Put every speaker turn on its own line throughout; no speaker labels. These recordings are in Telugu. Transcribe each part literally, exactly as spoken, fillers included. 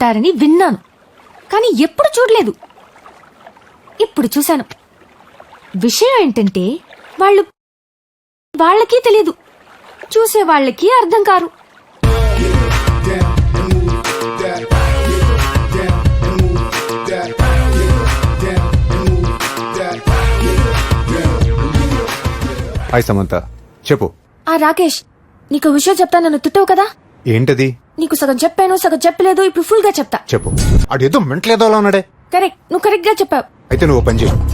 కొట్టారని విన్నాను, కానీ ఎప్పుడు చూడలేదు. ఇప్పుడు చూశాను. విషయం ఏంటంటే వాళ్ళు వాళ్ళకి తెలియదు, చూసే వాళ్ళకి అర్థం కారు.
హాయ్ సమంత, చెప్పు.
ఆ రాకేష్, నీకు విషయం చెప్తా, నన్ను తిట్టవు కదా?
ఏంటది?
నీకు సగం చెప్పాను, సగం చెప్పలేదు. ఇప్పుడు ఫుల్ గా చెప్తా.
చెప్పు. అడు ఏదో మెంట్లేదో అలా ఉన్నాడే.
కరెక్ట్, నువ్వు కరెక్ట్ గా చెప్పావు.
అయితే నువ్వు పని చేయి.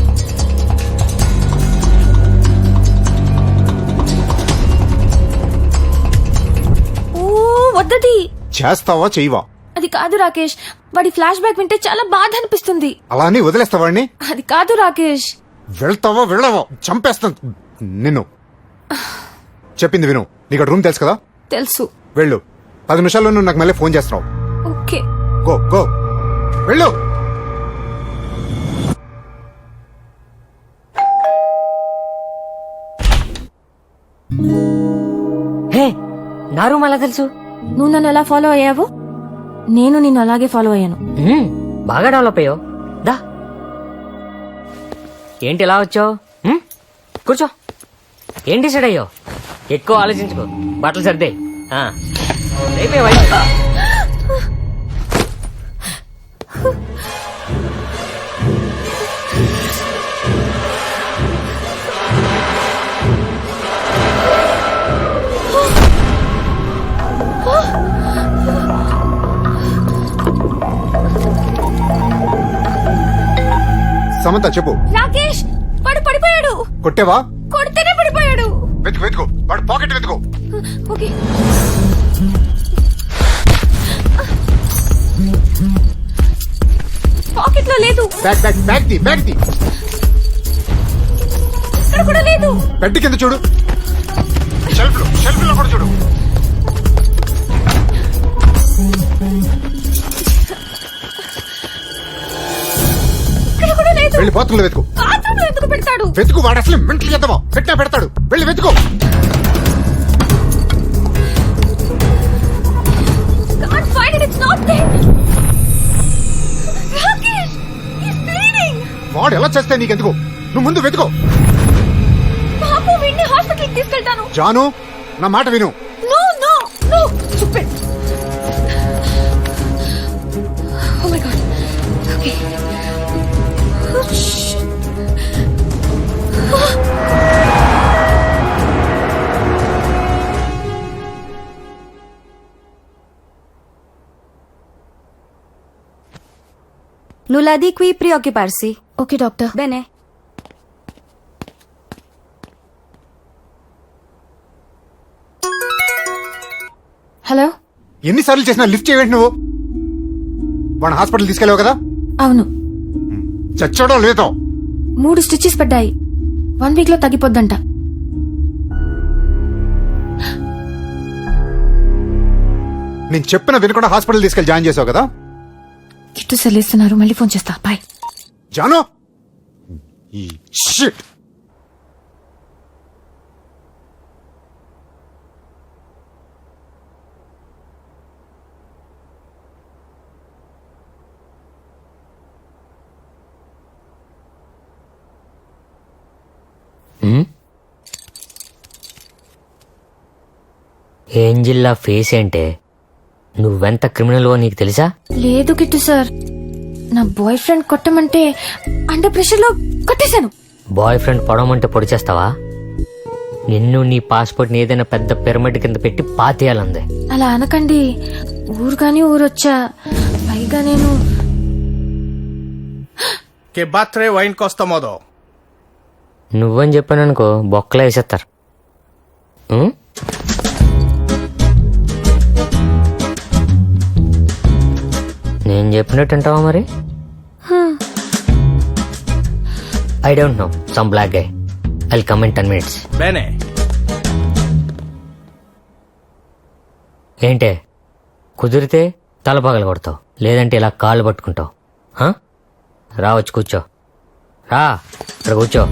ఓ వద్దది.
చేస్తావా చెయ్యవా?
అది కాదు రాకేష్, వాడి ఫ్లాష్ బ్యాక్ వింటే చాలా బాధ అనిపిస్తుంది.
అలా అని వదిలేస్తావాడిని?
అది కాదు రాకేష్.
వెళ్తావా వెళ్ళవా? చంపేస్తాను నిన్ను. చెప్పింది విను. నీకు రూమ్ తెలుసు కదా?
తెలుసు.
వెళ్ళు. పది నిమిషాల్లో నువ్వు నాకు మళ్ళీ ఫోన్ చేస్తున్నావు.
ఓకే.
గో గో వెళ్ళు.
హే, నా రూమ్ అలా తెలుసు?
నువ్వు నన్ను ఎలా ఫాలో అయ్యావు, నేను నిన్ను అలాగే ఫాలో అయ్యాను.
మ్మ్, బాగా డెవలప్ అయ్యో. దా, ఏంటి ఇలా వచ్చావు? కూర్చో. ఏం డిసైడ్ అయ్యో? ఎక్కువ ఆలోచించుకో, బట్టలు సర్దే. ఆ, రేపే వై.
సమంత చెప్పు.
రాకేష్, వాడు పడిపోయాడు.
కొట్టేవా?
కొడితేనే పడిపోయాడు.
వెతుకు వెతుకు, వాడు పాకెట్ వెతుకు.
ఓకే. పాకెట్ లో లేదు.
బ్యాగ్ బ్యాగ్ బ్యాగ్ ది బ్యాగ్ ది.
ఇక్కడ కూడా లేదు.
బెడ్ కింద చూడు. షెల్ఫ్ లో షెల్ఫ్ లో కూడా చూడు.
ఇక్కడ కూడా లేదు.
వెళ్ళి బాత్రూంలో వెతుకు.
బాత్రూంలో ఎందుకు పెడతాడు?
వెతుకు, వాడు అసలు మెంటల్ చేద్దామా? పెట్టినా పెడతాడు. వెళ్ళి వెతుకు.
Can't find it, it's not there. Rakesh, he's bleeding.
వాడు ఎలా చేస్తే నీకెందుకు? నువ్వు ముందు వెతుకో.
పాపు, వీడిని హాస్పిటల్కి తీసుకెళ్తాను.
జాను, నా మాట విను.
No, no, no, stupid. Oh my God. Okay. Oh, shit.
Nulla di qui preoccuparsi.
Okay, doctor.
Bene.
Hello.
ఎన్నిసార్లు చేసినా లిఫ్ట్ చేయవేంటి నువ్వు? వాడు హాస్పిటల్ తీసుకెళ్ళావు కదా?
అవును.
చచ్చాడో లేదో?
మూడు స్టిచెస్ పడ్డాయి. వన్ వీక్ లో తగ్గిపోద్దంట.
నేను చెప్పిన వినకుండా హాస్పిటల్ తీసుకెళ్ళి జాయిన్ చేసావు కదా?
కిట్టు సెల్లిస్తున్నారు, మళ్ళీ ఫోన్ చేస్తా. బాయ్.
జాను, ఈ షిట్.
ఏంజిల్లా ఫేస్ ఏంటే? నువ్వెంత క్రిమినల్వో నీకు తెలుసా?
లేదు కిట్టు సార్, నా బాయ్ ఫ్రెండ్ కొట్టమంటే అండర్ ప్రెషర్ లో కొట్టేశాను.
బాయ్ ఫ్రెండ్ పొడవమంటే పొడి చేస్తావా? నిన్ను నీ పాస్పోర్ట్ ని ఏదైనా పెద్ద పిరమిడ్ కింద పెట్టి పాతేయాలందే.
అలా అనకండి. ఊరు కానీ ఊరొచ్చా, పైగా నేను
Che battere va in costa modo.
నువ్వని చెప్పాననుకో బొక్కలో వేసేస్తారు. ఉం? నేను చెప్పినట్టు అంటావా మరి? I don't know, some black guy. I'll come in ten minutes.
Bene.
ఏంటే, కుదిరితే తల పగల కొడతావు, లేదంటే ఇలా కాళ్ళు పట్టుకుంటావు. హా? రా, వచ్చి కూర్చో. రా, ఇక్కడ కూర్చో.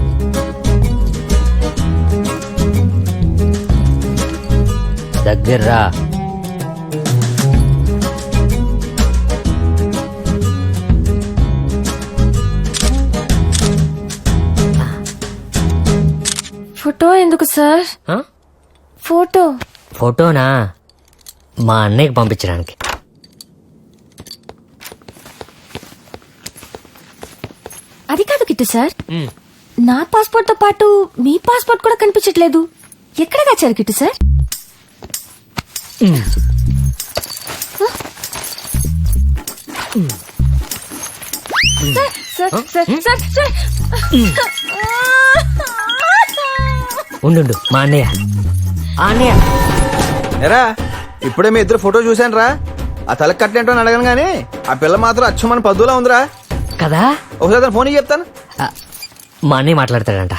దగ్గర రా.
ఫోటో ఎందుకు సార్?
ఆ?
ఫోటో
ఫోటోనా మా అన్నయ్యకి పంపించడానికి.
అది కాదు కిట్టు సార్, నా పాస్పోర్ట్ తో పాటు మీ పాస్పోర్ట్ కూడా కనిపించట్లేదు. ఎక్కడ దాచారు Kittu sir? Sir, sir, sir, sir, sir.
ఉండు మా అన్నయ్య. ఆ అన్నయ్య
ఎరా ఇప్పుడే మీ ఇద్దరు ఫోటో చూశాను రా. ఆ తలకి కట్టేంటో అని అడగను గానీ ఆ పిల్ల మాత్రం అచ్చం మన పద్దులా ఉందిరా.
కదా,
ఒకసారి తన ఫోన్ చెప్తాను.
ఆ, మా అన్నయ్య మాట్లాడతాడంట.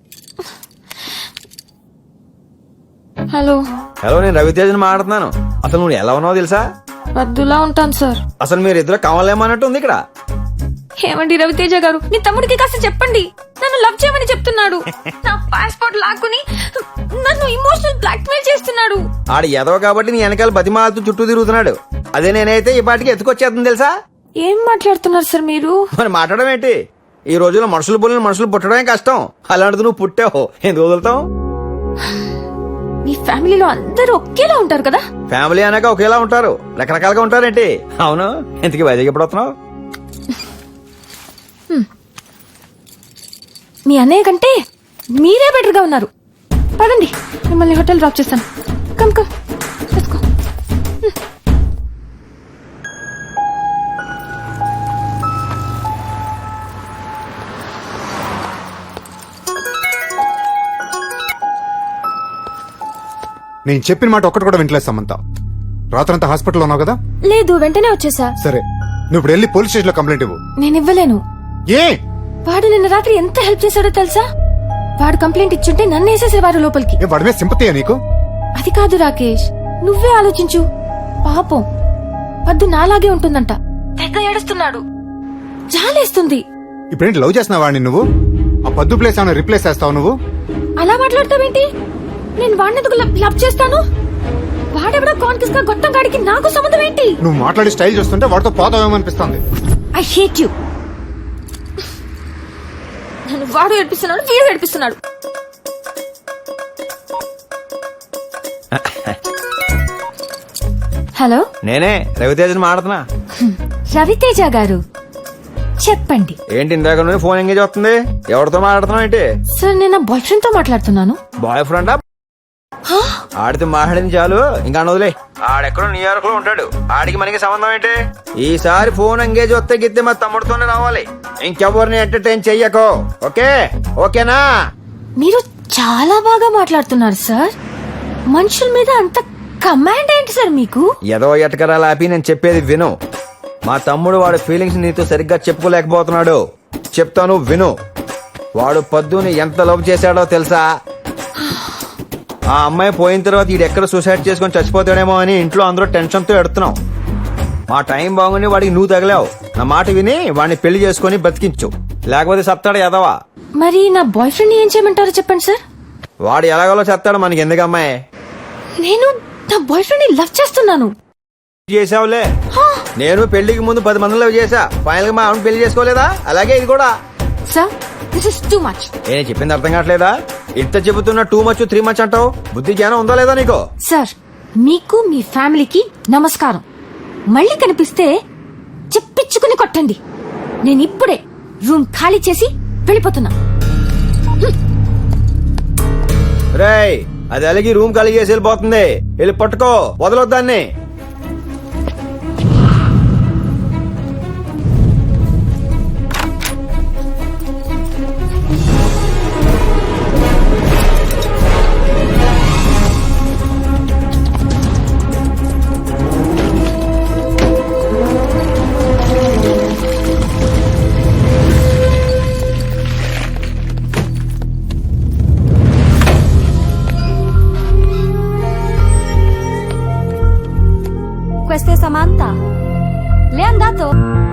హలో,
హలో, నేను రవితేజని మాట్లాడుతున్నాను. అసలు నువ్వు ఎలా ఉన్నావో తెలుసా?
వద్దులా ఉంటాను సార్.
అసలు మీరు ఇద్దరు కావాలేమన్నట్టు ఉంది ఇక్కడ.
ఏమండి రవితేజ గారు, మీ తమ్ముడికి కాస్త చెప్పండి, నన్ను లవ్ చేయమని చెప్తున్నాడు. నా పాస్పోర్ట్ లాక్కుని నన్ను ఇమోషనల్ బ్లాక్ మెయిల్ చేస్తున్నాడు.
ఆడ ఎదవ కాబట్టి నీ వెనకాల బతిమాలతూ చుట్టూ తిరుగుతున్నాడు. అదే నేనైతే ఈ పాటికి ఎత్తుకొచ్చేస్తుంది తెలుసా.
ఏం మాట్లాడుతున్నారు సార్ మీరు?
మరి మాట్లాడడం ఏంటి? ఈ రోజుల్లో మనుషులు పోలిన మనుషులు పుట్టడమే కష్టం. అలాంటిది నువ్వు పుట్టావు, ఎందుకు వదులుతావు?
మీ ఫ్యామిలీలో అందరూ ఒకేలా ఉంటారు కదా?
ఫ్యామిలీ అన్నాక ఒకేలా ఉంటారు, రకరకాలుగా ఉంటారేంటి? అవును, ఇంతకీ వైజాగ్ ఎప్పుడు వస్తున్నావు?
మీ అన్నయ్య కంటే మీరే బెటర్ గా ఉన్నారు. పదండి, మిమ్మల్ని హోటల్ డ్రాప్ చేస్తాను. Come come, let's go.
నేను చెప్పిన మాట ఒక్కటి కూడా వింటలేదు సమంత. రాత్రంతా హాస్పిటల్లో ఉన్నావు కదా?
లేదు, వెంటనే వచ్చేసా.
సరే, నువ్వు ఇప్పుడు వెళ్ళి పోలీస్ స్టేషన్ లో కంప్లైంట్ ఇవ్వు.
నేను ఇవ్వలేను.
ఏ?
వాడు నిన్న రాత్రి ఎంత హెల్ప్ చేశాడో తెలుసా? వాడు కంప్లైంట్ ఇచ్చుంటే నన్ను వేసేసేవారు లోపలికి.
ఏ, వాడి మీద సింపతియా నీకు?
అది కాదు రాకేష్, నువ్వే ఆలోచించు. పాపం వద్దు నాలాగే ఉంటుందంట. తెగ ఏడుస్తున్నాడు, జాలేస్తుంది.
ఇప్పుడేంటి లవ్ చేస్తున్నావా వాడిని నువ్వు? ఆ పద్దు ప్లేస్ ఏమైనా రిప్లేస్ చేస్తావు నువ్వు?
అలా మాట్లాడతావేంటి? నేను వాడినెందుకు లవ్ చేస్తాను? వాడెవడో కాన్కిస్ గా గొట్టం గాడికి నాకు సంబంధం ఏంటి?
నువ్వు మాట్లాడి స్టైల్ చూస్తుంటే వాడితో పోతావేమనిపిస్తుంది.
I hate you. నన్ను వాడు ఏడిపిస్తున్నాడు, వీడు ఏడిపిస్తున్నాడు. హలో,
నేనే రవితేజని మాట్లాడుతున్నా.
రవితేజ గారు చెప్పండి.
ఏంటి ఇందాక నుండి ఫోన్ ఎంగేజ్ వస్తుంది? ఎవరితో మాట్లాడుతున్నావు ఏంటి?
సార్, నేను నా బాయ్ ఫ్రెండ్ తో మాట్లాడుతున్నాను.
బాయ్ ఫ్రెండా? ఆడితో మాట్లాడింది చాలు, ఇంకా వదిలే. ఆడెక్కడో న్యూయార్క్ లో ఉంటాడు, ఆడికి మనకి సంబంధం ఏంటి? ఈసారి ఫోన్ ఎంగేజ్ వస్తే గిద్దే మా తమ్ముడితోనే రావాలి, ఇంకెవరిని ఎంటర్టైన్ చెయ్యకో. ఓకే ఓకేనా?
మీరు చాలా బాగా మాట్లాడుతున్నారు సార్. మనుషుల మీద అంత కమాండ్ ఏంటి సార్ మీకు?
ఏదో ఎటకరా లాపి నేను చెప్పేది విను. మా తమ్ముడు వాడి ఫీలింగ్స్ నీతో సరిగ్గా చెప్పుకోలేకపోతున్నాడు. చెప్తాను విను. వాడు పద్దుని ఎంత లవ్ చేశాడో తెలుసా? ఆ అమ్మాయి పోయిన తర్వాత ఈడెక్కడ సూసైడ్ చేసుకొని చచ్చిపోతాడేమో అని ఇంట్లో అందరూ టెన్షన్ తో ఎడుతున్నాం. మా టైం బాగుండి వాడికి నువ్వు తగిలావు. నా మాట విని వాడిని పెళ్లి చేసుకుని బతికించు, లేకపోతే సత్తాడు ఎదవా.
మరి నా బాయ్ ఫ్రెండ్ ఏం చేయమంటారో చెప్పండి సార్.
వాడు ఎలాగోలో చెత్తాడు, మనకి ఎందుకు అమ్మాయి?
నేను నా బాయ్ ఫ్రెండ్ ని లవ్ చేస్తున్నాను.
చేసావులే, నేను పెళ్లికి ముందు పది మందిలో చేసా, ఫైనల్ గా మా ఆవిడ పెళ్లి చేసుకోలేదా? అలాగే ఇది కూడా.
Sir, this is too much.
నేను చెప్పింది అర్థం కావట్లేదా? ఇంత చెబుతున్నా టూ మచ్ త్రీ మచ్ అంటావు. బుద్ధి జ్ఞానం ఉందా లేదా నీకు?
సార్, మీకు మీ ఫ్యామిలీకి నమస్కారం. మళ్ళీ కనిపిస్తే చెప్పించుకుని కొట్టండి. నేను ఇప్పుడే రూమ్ ఖాళీ చేసి వెళ్ళిపోతున్నా.
రేయ్, అది అలాగే రూమ్ ఖాళీ చేసి వెళ్ళిపోతుంది. వెళ్ళి పట్టుకో, వదలొద్దాన్ని.
Questa è Samantha. Le è andato?